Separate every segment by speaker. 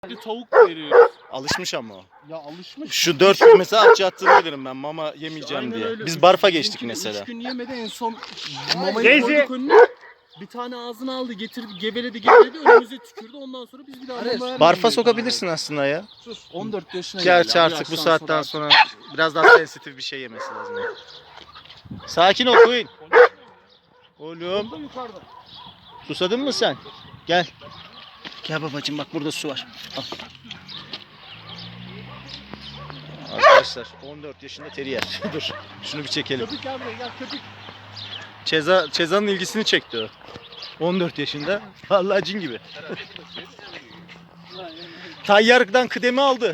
Speaker 1: Bir tavuk veriyoruz.
Speaker 2: Alışmış ama o.
Speaker 1: Ya alışmış.
Speaker 2: Şu 4 gün mesela aç yattığını bilirim ben mama yemeyeceğim
Speaker 1: Aynen
Speaker 2: diye.
Speaker 1: öyle.
Speaker 2: Biz barfa geçtik
Speaker 1: Bizimki de
Speaker 2: mesela.
Speaker 1: 3 gün yemedi, en son mamayı
Speaker 3: Teyze.
Speaker 1: koyduk önüne. Bir tane ağzına aldı, getirdi, geveledi önümüze tükürdü. Ondan sonra biz bir daha mama vermedik.
Speaker 2: Barfa sokabilirsin aslında ya.
Speaker 1: Sus. 14 yaşına
Speaker 2: Gerçi
Speaker 1: geldi.
Speaker 2: artık bu saatten sonra biraz daha sensitif bir şey yemesi lazım. Sakin ol Queen. Oğlum.
Speaker 1: Yukarıda.
Speaker 2: Susadın mı sen? Gel. Gel babacığım, bak burada su var. Al. Arkadaşlar 14 yaşında terrier. Dur şunu bir çekelim.
Speaker 1: Köpük gel buraya, gel köpük.
Speaker 2: Ceza'nın ilgisini çekti o. 14 yaşında. Vallahi cin gibi. Tayyar'dan kıdemi aldı.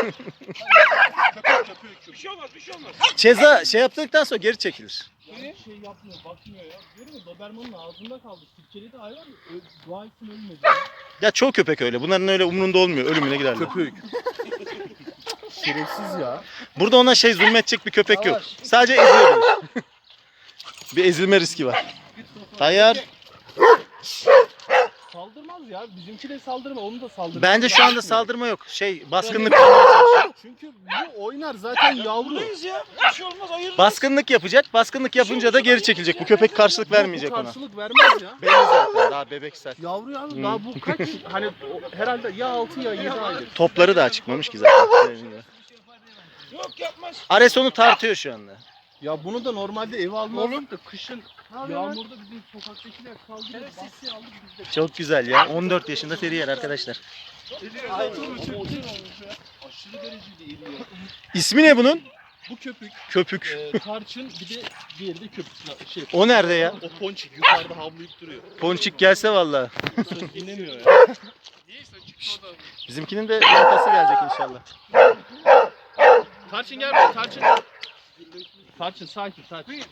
Speaker 3: Bir şey olmaz, bir şey olmaz.
Speaker 2: Ceza şey yaptıktan sonra geri çekilir.
Speaker 1: Şey yapmıyor, bakmıyor ya. Görüyor musun? Doberman'ın ağzında kaldı. Türkiye'de hayvan dua etsin ölmedi.
Speaker 2: Ya çoğu köpek öyle. Bunların öyle umrunda olmuyor. Ölümüne giderler.
Speaker 1: Köpük. Şerefsiz ya.
Speaker 2: Burada ona şey zulmedecek bir köpek yok. Sadece eziyor. Bir ezilme riski var. Tayyar.
Speaker 1: Saldırmaz ya. Bizimki de saldırma. Onu da saldırmaz.
Speaker 2: Bence şu anda saldırma yok. Şey baskınlık yapmaya çalışıyor.
Speaker 1: Çünkü bu oynar zaten yavru.
Speaker 3: Buradayız ya. Bir şey olmaz, ayırırız.
Speaker 2: Baskınlık yapacak. Baskınlık yapınca da geri çekilecek. Bu köpek karşılık vermeyecek
Speaker 1: Bu
Speaker 2: ona.
Speaker 1: karşılık vermez ya.
Speaker 2: Belli zaten. Daha bebeksel.
Speaker 1: Yavru ya. Daha bu kaç? Hani herhalde ya 6 ya 7 aydır.
Speaker 2: Topları daha çıkmamış ki zaten.
Speaker 3: Yok yapmaz.
Speaker 2: Ares onu tartıyor şu anda.
Speaker 1: Ya bunu da normalde eve almazdık da kışın yağmurda bizim sokaktakiler kaldırıyor. Bahçeye aldık biz de.
Speaker 2: Çok güzel ya. 14 yaşında terrier arkadaşlar.
Speaker 1: Aşırı derecede iriyor.
Speaker 2: İsmi ne bunun?
Speaker 1: Bu köpük,
Speaker 2: Köpük.
Speaker 1: tarçın, bir de diğeri de köpük. Şey,
Speaker 2: O nerede ya?
Speaker 1: o ponçik yukarıda havlayıp duruyor.
Speaker 2: Ponçik gelse vallahi.
Speaker 1: Söz dinlemiyor ya.
Speaker 2: Bizimkinin de yumurtası gelecek inşallah.
Speaker 1: Tarçın gel buraya, tarçın. Tarçın sakin.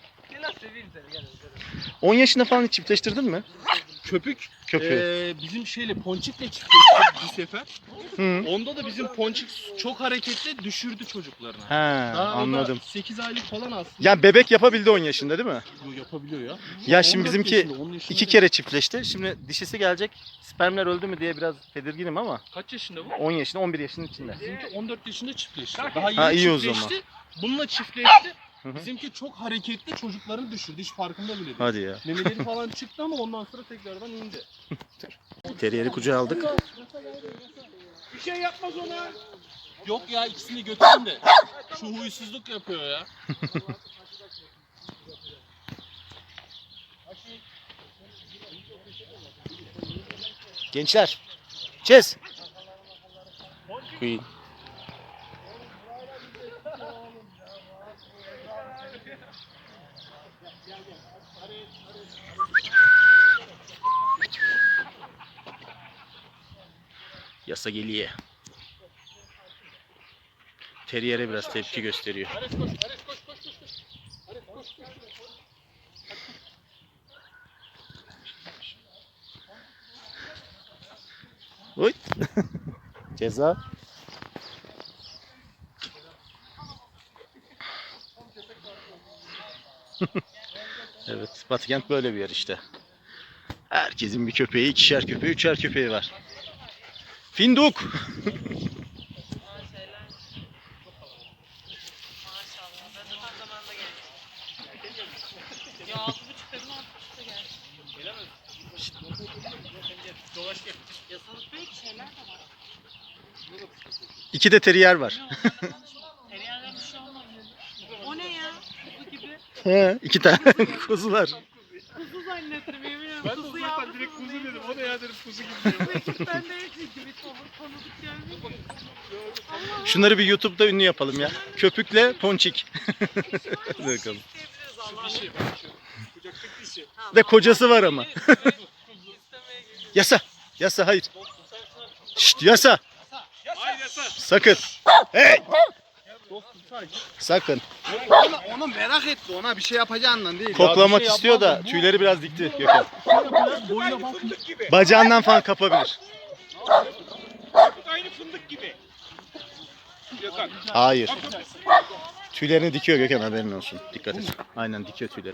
Speaker 2: 10 yaşında falan hiç çiftleştirdin mi?
Speaker 1: Köpük
Speaker 2: Köpüğü.
Speaker 1: bizim şeyle ponçikle çiftleştik bir sefer.
Speaker 2: Hı.
Speaker 1: Onda da bizim ponçik çok hareketli düşürdü çocuklarını.
Speaker 2: He,
Speaker 1: Daha
Speaker 2: anladım.
Speaker 1: 8 aylık falan aslında.
Speaker 2: Yani bebek yapabildi 10 yaşında değil mi?
Speaker 1: Bu yapabiliyor ya.
Speaker 2: Ya şimdi
Speaker 1: 14
Speaker 2: bizimki
Speaker 1: yaşında, 10 yaşında
Speaker 2: 2
Speaker 1: da-
Speaker 2: kere çiftleşti. Şimdi dişisi gelecek. Spermler öldü mü diye biraz tedirginim ama
Speaker 1: Kaç yaşında bu?
Speaker 2: 10 yaşında 11 yaşının içinde.
Speaker 1: Bizimki 14 yaşında çiftleşti. Daha
Speaker 2: Ha,
Speaker 1: yeni
Speaker 2: iyi o
Speaker 1: çiftleşti. Bununla çiftleşti.
Speaker 2: Hı hı.
Speaker 1: Bizimki çok hareketli, çocuklarını düşürdü. Hiç farkında bile değil.
Speaker 2: Hadi ya.
Speaker 1: Memeleri falan çıktı ama ondan sonra tekrardan indi.
Speaker 2: Terrier'i kucağa aldık.
Speaker 3: Bir şey yapmaz ona.
Speaker 1: Yok ya, ikisini götürün de. Şu huysuzluk yapıyor ya.
Speaker 2: Gençler. Çez. Queen. Yasa geliyor. Terrier'e biraz tepki gösteriyor.
Speaker 1: Ares koş, Ares koş, koş, koş, koş. Ares koş, koş, koş.
Speaker 2: Oy. Ceza. Evet, Batıkent böyle bir yer işte. Herkesin bir köpeği, ikişer köpeği, üçer köpeği var. Finduk. İki de terrier var.
Speaker 4: O ne ya? Kuzu gibi.
Speaker 2: He, iki tane kuzular.
Speaker 4: Kuzu zannettim yemin ederim.
Speaker 3: Ben de
Speaker 4: Kuzu
Speaker 3: zaten
Speaker 4: yavrusu
Speaker 3: direkt kuzu
Speaker 4: değil.
Speaker 3: dedim. O ne ya dedim, kuzu gibi.
Speaker 4: Ben de çünkü bir tanıdık gelmiyor.
Speaker 2: Şunları bir YouTube'da ünlü yapalım ya. Köpükle ponçik. Hadi bakalım.
Speaker 3: Kucaktaki dişi.
Speaker 2: Ve kocası var ama. Yasa. Yasa hayır. Şşt yasa.
Speaker 3: Hayır yasa.
Speaker 2: Sakın. Hey.
Speaker 1: Dostum sadece.
Speaker 2: Sakın.
Speaker 5: Onu merak etti, ona bir şey yapacağından değil.
Speaker 2: Koklamak
Speaker 1: bir şey
Speaker 2: istiyor da
Speaker 1: yapmaz mı?
Speaker 2: tüyleri biraz dikti Gökhan.
Speaker 1: Boyuna bak.
Speaker 3: Fındık gibi.
Speaker 2: Bacağından falan kapabilir.
Speaker 3: Aynı fındık gibi. Gökhan.
Speaker 2: Hayır. Tüylerini dikiyor Gökhan, haberin olsun. Dikkat et. Aynen dikiyor tüyleri.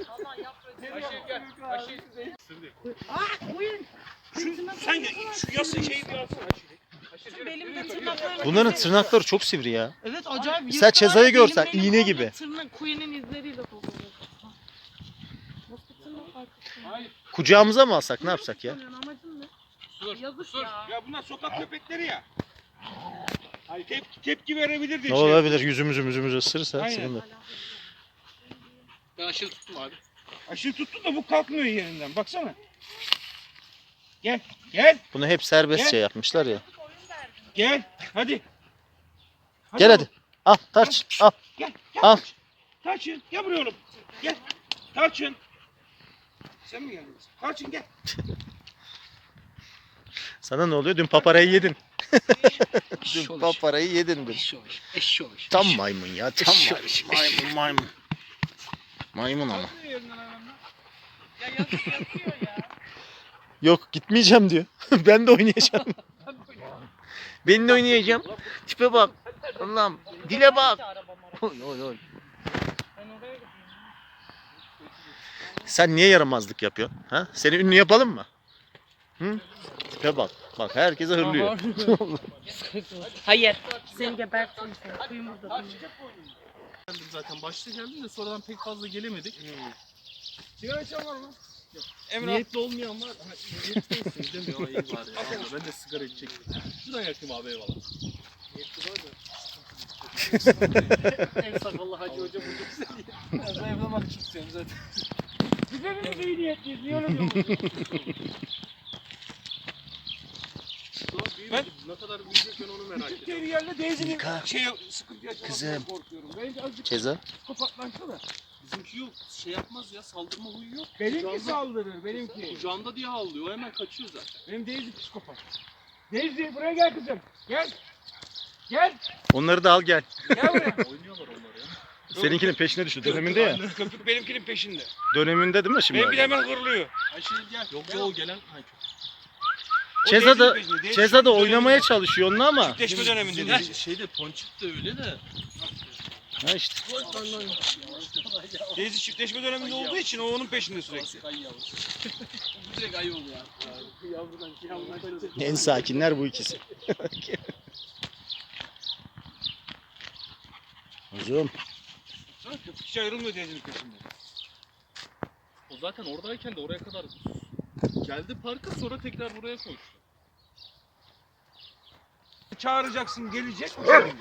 Speaker 3: Sen şu yası şeyi bir alsana.
Speaker 4: Belimde tırnaklarını
Speaker 2: Bunların
Speaker 4: keser.
Speaker 2: tırnakları çok sivri ya.
Speaker 4: Evet acayip.
Speaker 2: Mesela
Speaker 4: yırtılar
Speaker 2: Ceza'yı
Speaker 4: ya,
Speaker 2: görsen,
Speaker 4: benim
Speaker 2: iğne
Speaker 4: komple
Speaker 2: gibi.
Speaker 4: Tırnak kuyunun izleriyle dolu. Nasıl tırnak arkası?
Speaker 2: Kucağımıza mı alsak ne yapsak ya?
Speaker 4: Amacın ne?
Speaker 3: Dur.
Speaker 4: Yazık
Speaker 3: Dur.
Speaker 4: ya.
Speaker 3: Ya bunlar sokak köpekleri ya. Ay tepki verebilir diye
Speaker 2: Ne
Speaker 3: şey.
Speaker 2: olabilir? Yüzümüzü ısırırsa
Speaker 3: Aynen.
Speaker 2: sıkıntı.
Speaker 1: Ben aşırı tuttum abi.
Speaker 3: Aşırı tuttu da bu kalkmıyor yerinden. Baksana. Gel. Gel.
Speaker 2: Bunu hep serbest
Speaker 3: Gel.
Speaker 2: şey yapmışlar ya.
Speaker 3: Gel. Hadi.
Speaker 2: Gel
Speaker 3: oğlum.
Speaker 2: hadi. Al tarç al.
Speaker 3: Gel.
Speaker 2: Al.
Speaker 3: Tarçın. Gel buraya oğlum. Gel. Tarçın. Sen mi geldin? Tarçın gel.
Speaker 2: Sana ne oluyor? Dün paparayı yedin. Dün paparayı yedin dün.
Speaker 1: Eşşoğuş.
Speaker 2: Tam maymun ya. Tam maymun. Maymun ama.
Speaker 4: Ya yazık yatıyor ya.
Speaker 2: Yok gitmeyeceğim diyor. Ben de oynayacağım. Ben de oynayacağım. Tipe bak. Allah'ım. Dile bak. Oy, oy, oy.
Speaker 4: Ben oraya gidiyorum.
Speaker 2: Sen niye yaramazlık yapıyorsun? Ha? Seni ünlü yapalım mı? Hı? Tipe bak. Bak herkese hırlıyor.
Speaker 4: Hayır. Seni gebertin seni. Kuyum burada.
Speaker 1: Geldim zaten. Başta geldim de sonradan pek fazla gelemedik.
Speaker 3: Sigara içen var mı? Emrah.
Speaker 1: Niyetli olmayan var. Ha, niyetliysiniz demiyor. Ay, iyi var ya. Vallahi ben de sigara içecektim. Şuradan yakayım abi eyvallah. Niyetli var da. En sakallı hacı hocam hocam seni. Ben zayıflamak için istiyorum zaten.
Speaker 3: Biz hepimiz iyi niyetliyiz. Niye öyle diyorsun?
Speaker 1: Ben ne kadar büyüyecek ben onu merak
Speaker 3: Küçük
Speaker 1: ediyorum.
Speaker 3: bir yerde Daisy'nin
Speaker 2: Mika.
Speaker 3: sıkıntı yaşamaktan
Speaker 2: Kızım.
Speaker 3: korkuyorum. Bence azıcık
Speaker 2: Keza.
Speaker 3: psikopatlaşsa da.
Speaker 1: Bizimki yok. Şey yapmaz ya. Saldırma huyu yok.
Speaker 3: Benimki
Speaker 1: Kucağında-
Speaker 3: saldırır. Benimki.
Speaker 1: Kucağında diye havlıyor. O hemen kaçıyor zaten.
Speaker 3: Benim Daisy psikopat. Daisy buraya gel kızım. Gel. Gel.
Speaker 2: Onları da al gel.
Speaker 3: Gel buraya.
Speaker 1: Oynuyorlar onlar ya.
Speaker 2: Seninkinin peşine düştü. Döneminde ya.
Speaker 3: Köpük benimkinin peşinde.
Speaker 2: Döneminde değil mi şimdi?
Speaker 3: Benimki de hemen hırlıyor.
Speaker 1: Ayşe gel. Yok ya o gelen. Ay,
Speaker 3: O
Speaker 2: Ceza da
Speaker 3: Daisy'nin peşinde. Daisy
Speaker 2: Ceza da
Speaker 3: döneminde.
Speaker 2: oynamaya çalışıyor onunla ama.
Speaker 3: Çiftleşme döneminde.
Speaker 1: Bizim şeyde Ponçik de öyle de.
Speaker 2: Ha işte.
Speaker 3: Daisy çiftleşme döneminde olduğu için o onun peşinde sürekli.
Speaker 1: Ay yavrusu. Bu direkt ayı oluyor ya. Yavrudan kaçacak.
Speaker 2: En sakinler bu ikisi. Uzun.
Speaker 3: Hiç ayrılmıyor Daisy'nin peşinde.
Speaker 1: O zaten oradayken de oraya kadar geldi parka sonra tekrar buraya koştu.
Speaker 3: Çağıracaksın gelecek mi senin de?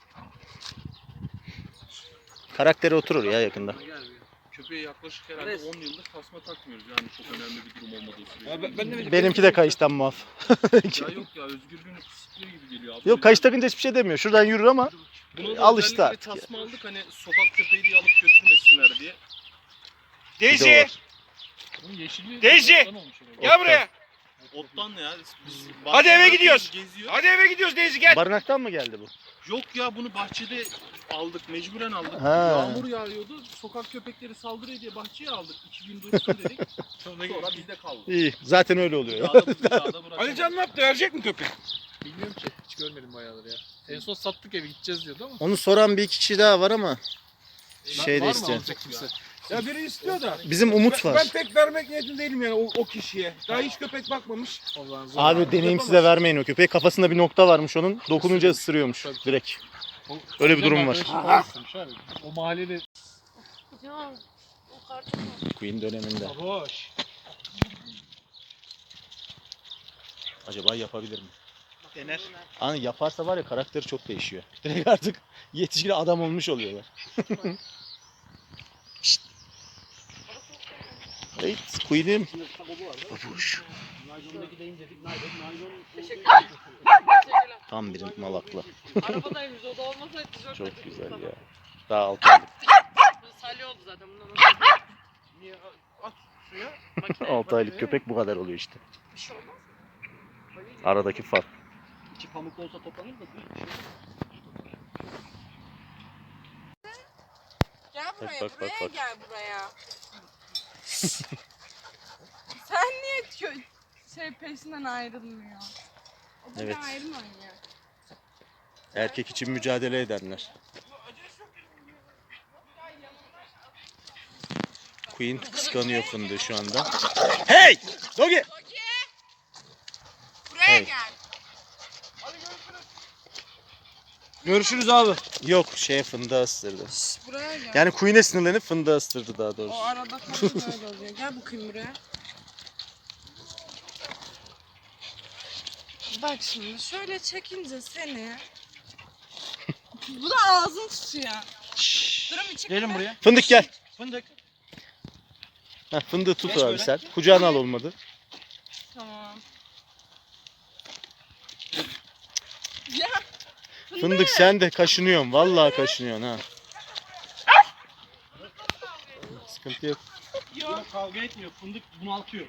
Speaker 2: Karakteri oturur ya yakında.
Speaker 1: Gelmiyor. Köpeğe yaklaşık herhalde 10 yıldır tasma takmıyoruz yani çok önemli bir durum olmadığı sürece.
Speaker 3: Ya ben de
Speaker 2: Benimki de kayıştan muaf.
Speaker 1: Ya yok ya özgürlüğünü kısıtlıyor gibi geliyor abi.
Speaker 2: Yok kayış takınca hiçbir şey demiyor. Şuradan yürür ama
Speaker 1: Buna da
Speaker 2: alıştı
Speaker 1: özellikle
Speaker 2: artık ya.
Speaker 1: tasma aldık hani sokak köpeği diye alıp götürmesinler diye.
Speaker 2: Bir de
Speaker 3: Daisy!
Speaker 2: o var.
Speaker 1: Bunun yeşilliği
Speaker 3: Daisy!
Speaker 1: ottan olmuş herhalde.
Speaker 3: Gel buraya.
Speaker 1: Ottan ne ya? Biz
Speaker 3: Hadi eve
Speaker 1: bahçede
Speaker 3: gidiyoruz.
Speaker 1: Geziyor.
Speaker 3: Hadi eve gidiyoruz Daisy gel.
Speaker 2: Barınaktan mı geldi bu?
Speaker 1: Yok ya bunu bahçede aldık, mecburen aldık.
Speaker 2: Ha.
Speaker 1: Yağmur yağıyordu, sokak köpekleri saldırıyor diye bahçeye aldık. 2 gün dursun dedik. Sonra bizde kaldı.
Speaker 2: İyi. Zaten öyle oluyor ya.
Speaker 1: Dağda bırakalım.
Speaker 3: Ali ne yaptı? Verecek mi köpek?
Speaker 1: Bilmiyorum ki, hiç görmedim bayağıdır ya. En son sattık evi gideceğiz diyordu ama.
Speaker 2: Onu soran bir iki kişi daha var ama şey de
Speaker 1: Var mı
Speaker 2: isteyen.
Speaker 1: alacak kimse?
Speaker 3: Ya biri istiyor da.
Speaker 2: Bizim Umut
Speaker 3: Ben
Speaker 2: var.
Speaker 3: pek vermek niyetinde değilim yani o kişiye. Daha hiç köpek bakmamış.
Speaker 2: Abi deneyimsize vermeyin o köpeği. Kafasında bir nokta varmış onun. Dokununca ısırıyormuş direkt. Öyle bir durum var.
Speaker 1: O mahallede
Speaker 4: Ya o karton mu?
Speaker 2: Queen döneminde.
Speaker 3: Hoş.
Speaker 2: Acaba yapabilir mi?
Speaker 3: Dener.
Speaker 2: Hani yaparsa var ya karakteri çok değişiyor. Direkt artık yetişkin adam olmuş oluyorlar. Şşt. Evet, Queen'im. Babuş. Tam bir malaklı.
Speaker 4: Arabadaymış o da olmasaydı tişört
Speaker 2: Çok
Speaker 4: getirdim
Speaker 2: güzel
Speaker 4: sana.
Speaker 2: ya. Daha 6 aylık.
Speaker 4: Bu salya oldu zaten bundan
Speaker 3: Niye at suya?
Speaker 4: sonra.
Speaker 2: 6 aylık köpek bu kadar oluyor işte.
Speaker 4: Bir şey olmaz.
Speaker 2: Aradaki fark.
Speaker 1: içi pamuk olsa toplanır da büyük bir şey.
Speaker 6: Gel buraya,
Speaker 2: bak,
Speaker 6: buraya
Speaker 2: bak.
Speaker 6: gel buraya. Sen niye peşinden ayrılmıyor? O da
Speaker 2: Evet.
Speaker 6: bir ayrım oynuyor.
Speaker 2: Erkek için mücadele edenler. Queen kıskanıyor fındığı şu anda. Hey! Dogi!
Speaker 6: Buraya
Speaker 2: Hey.
Speaker 6: gel.
Speaker 3: Görüşürüz abi.
Speaker 2: Yok fındığı ısırdı.
Speaker 6: Şş, buraya gel.
Speaker 2: Yani Queen'e sinirlenip fındığı ısırdı daha
Speaker 6: O
Speaker 2: doğrusu.
Speaker 6: arada kalınca öyle oluyor. Gel bakayım buraya. Bak şimdi şöyle çekince seni. Bu da ağzın tutuyor. Durun bir çık.
Speaker 3: Gelin buraya.
Speaker 2: Fındık gel.
Speaker 3: Fındık.
Speaker 2: Heh, fındığı tut
Speaker 3: Geç
Speaker 2: abi
Speaker 3: böyle.
Speaker 2: sen. Kucağına al olmadı.
Speaker 6: Tamam. Ya.
Speaker 2: Fındık sen de kaşınıyorsun. Vallahi kaşınıyorsun ha. Sıkıntı yok.
Speaker 3: Yok. Kavga etmiyor. Fındık bunaltıyor.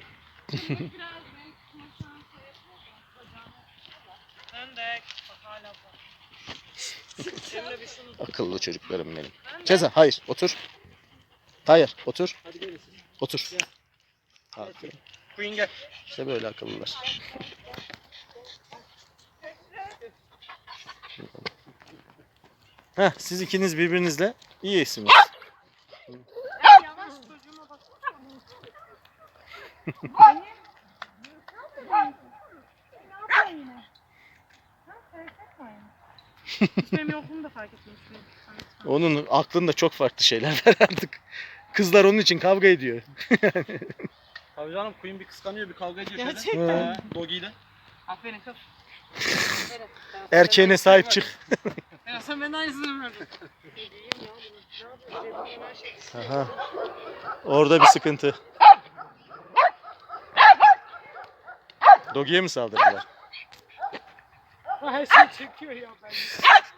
Speaker 4: Sen de bak hala bak. Emre bir şunu
Speaker 2: Akıllı çocuklarım benim. Ceza hayır otur. Hayır otur.
Speaker 3: Hadi gelin.
Speaker 2: Otur. Aferin.
Speaker 3: Queen gel.
Speaker 2: İşte böyle akıllılar. Heh, siz ikiniz birbirinizle iyisiniz.
Speaker 4: yavaş çocuğuma bak. Hiç benim yokluğumu da fark etmiyorsun.
Speaker 2: Onun aklında çok farklı şeyler var artık. Kızlar onun için kavga ediyor.
Speaker 3: Tabii canım Queen bir kıskanıyor bir kavga ediyor şöyle.
Speaker 4: Gerçekten.
Speaker 3: Doggy ile.
Speaker 4: Aferin kız.
Speaker 2: Erkeğine sahip çık.
Speaker 4: Ya sen benden aynısını verdin.
Speaker 2: Aha. Orada bir sıkıntı. Dogi'ye mi saldırdılar?
Speaker 4: Her şey çekiyor ya ben.